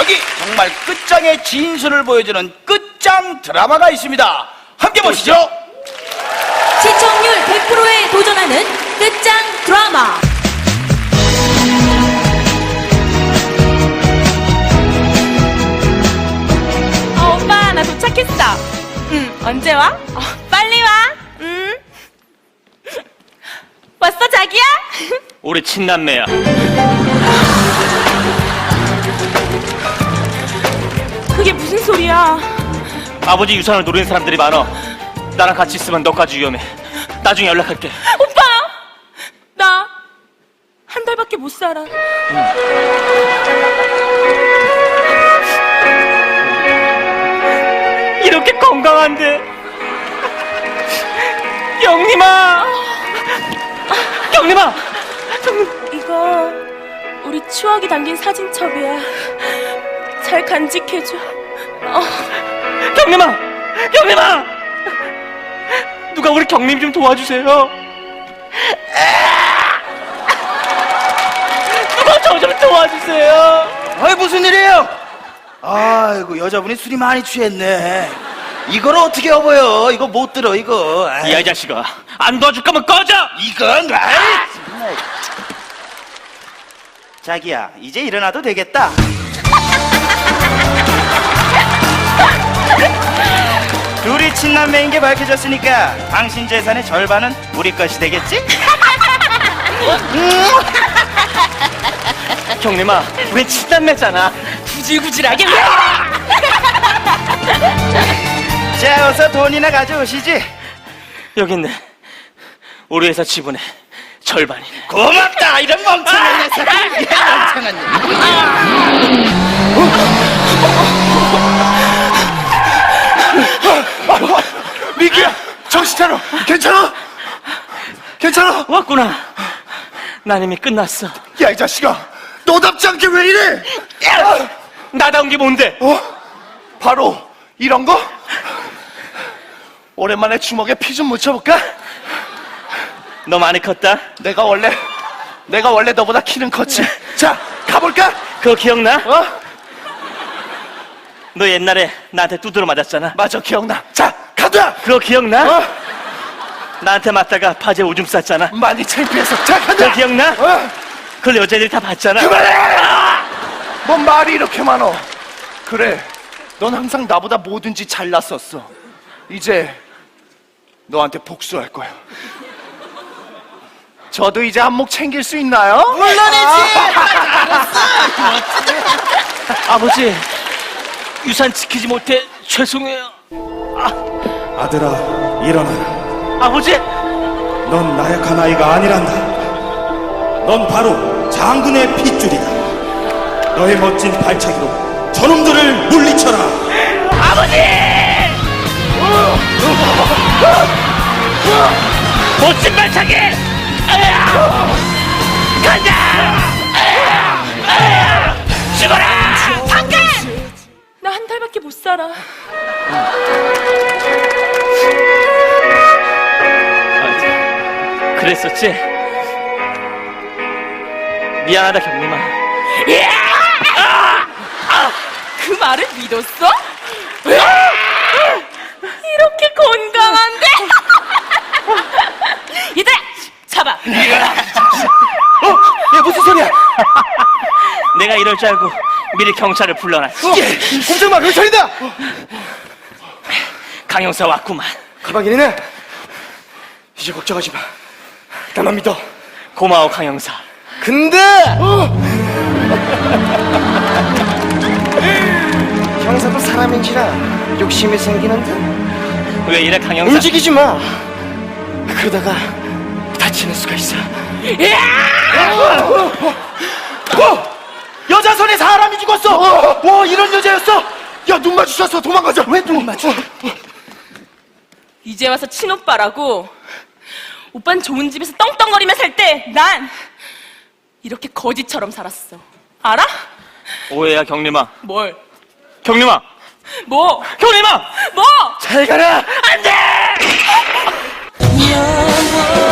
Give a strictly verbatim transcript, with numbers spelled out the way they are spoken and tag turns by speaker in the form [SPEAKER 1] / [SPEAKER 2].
[SPEAKER 1] 여기 정말 끝장의 진실을 보여주는 끝장 드라마가 있습니다. 함께 보시죠.
[SPEAKER 2] 시청률 백 퍼센트에 도전하는 끝장 드라마.
[SPEAKER 3] 어, 오빠, 나 도착했어. 응, 언제 와? 어, 빨리 와. 응. 왔어, 자기야?
[SPEAKER 4] 우리 친남매야.
[SPEAKER 3] 그게 무슨 소리야?
[SPEAKER 4] 아버지 유산을 노리는 사람들이 많아. 나랑 같이 있으면 너까지 위험해. 나중에 연락할게.
[SPEAKER 3] 오빠! 나 한 달밖에 못 살아.
[SPEAKER 4] 이렇게 건강한데. 경림아! 경림아!
[SPEAKER 3] 이거 우리 추억이 담긴 사진첩이야. 잘 간직해줘. 어.
[SPEAKER 4] 경림아! 경림아! 누가 우리 경림 좀 도와주세요. 누가 저 좀 도와주세요.
[SPEAKER 1] 아이, 무슨 일이에요? 아이고, 여자분이 술이 많이 취했네. 이걸 어떻게 여보요? 이거 못 들어, 이거. 아이,
[SPEAKER 4] 야, 이 자식아. 안 도와줄 거면 꺼져!
[SPEAKER 1] 이건 아이, 정말. 자기야, 이제 일어나도 되겠다. 둘이 친남매인 게 밝혀졌으니까 당신 재산의 절반은 우리 것이 되겠지?
[SPEAKER 4] 경림아, 우리 친남매잖아.
[SPEAKER 3] 구질구질하게 왜?
[SPEAKER 1] 자, 어서 돈이나 가져오시지.
[SPEAKER 4] 여기 있네. 우리 회사 지분의 절반이네.
[SPEAKER 1] 고맙다, 이런 멍청한 녀석. 멍청한 녀석.
[SPEAKER 5] 미기야, 정신 차려. 괜찮아? 괜찮아?
[SPEAKER 4] 왔구나. 난 이미 끝났어.
[SPEAKER 5] 야, 이 자식아, 너답지 않게 왜 이래?
[SPEAKER 4] 나다운 게 뭔데?
[SPEAKER 5] 어? 바로 이런 거? 오랜만에 주먹에 피 좀 묻혀볼까?
[SPEAKER 4] 너 많이 컸다?
[SPEAKER 5] 내가 원래 내가 원래 너보다 키는 컸지. 자, 가볼까?
[SPEAKER 4] 그거 기억나?
[SPEAKER 5] 어?
[SPEAKER 4] 너 옛날에 나한테 두드러 맞았잖아.
[SPEAKER 5] 맞아, 기억나. 자, 가자.
[SPEAKER 4] 그거 기억나?
[SPEAKER 5] 어?
[SPEAKER 4] 나한테 맞다가 바지에 오줌 쌌잖아.
[SPEAKER 5] 많이 창피해서. 자, 가자.
[SPEAKER 4] 그거 기억나?
[SPEAKER 5] 어?
[SPEAKER 4] 그걸 여자들이 다 봤잖아.
[SPEAKER 5] 그만해! 뭔 말이 이렇게 많어? 그래, 넌 항상 나보다 뭐든지 잘났었어. 이제 너한테 복수할 거야. 저도 이제 한몫 챙길 수 있나요?
[SPEAKER 1] 물론이지.
[SPEAKER 4] 아버지, 유산 지키지 못해 죄송해요.
[SPEAKER 6] 아들아, 일어나라.
[SPEAKER 4] 아버지!
[SPEAKER 6] 넌 나약한 아이가 아니란다. 넌 바로 장군의 핏줄이다. 너의 멋진 발차기로 저놈들을 물리쳐라.
[SPEAKER 4] 멋진 발차기! 아야! 간다! 아야! 아야! 죽어라!
[SPEAKER 3] 잠깐! 나 한 달밖에 못 살아.
[SPEAKER 4] 그랬었지? 미안하다, 경림아.
[SPEAKER 3] 그 말을 믿었어? 이렇게 건강한데? 얘들아! 잡아!
[SPEAKER 5] 어? 야, 무슨 소리야?
[SPEAKER 4] 내가 이럴 줄 알고 미리 경찰을 불러놨어.
[SPEAKER 5] 꼼짝마, 경찰이다!
[SPEAKER 4] 강형사 왔구만.
[SPEAKER 5] 가방이네. 이제 걱정하지 마. 나만 믿어.
[SPEAKER 4] 고마워, 강형사.
[SPEAKER 5] 근데 형사도 사람인지라 욕심이 생기는데
[SPEAKER 4] 왜 이래, 강형사?
[SPEAKER 5] 움직이지 마. 그러다가 다치는 수가 있어. 어! 여자 손에 사람이 죽었어. 와, 이런 여자였어. 야, 눈 마주쳤어. 도망가자. 왜 눈 마주?
[SPEAKER 3] 이제 와서 친오빠라고? 오빤 좋은 집에서 떵떵거리며 살 때 난 이렇게 거지처럼 살았어. 알아?
[SPEAKER 4] 오해야, 경림아.
[SPEAKER 3] 뭘?
[SPEAKER 4] 경림아!
[SPEAKER 3] 뭐?
[SPEAKER 4] 경림아!
[SPEAKER 3] 뭐?
[SPEAKER 5] 잘 가라.
[SPEAKER 4] 안 돼!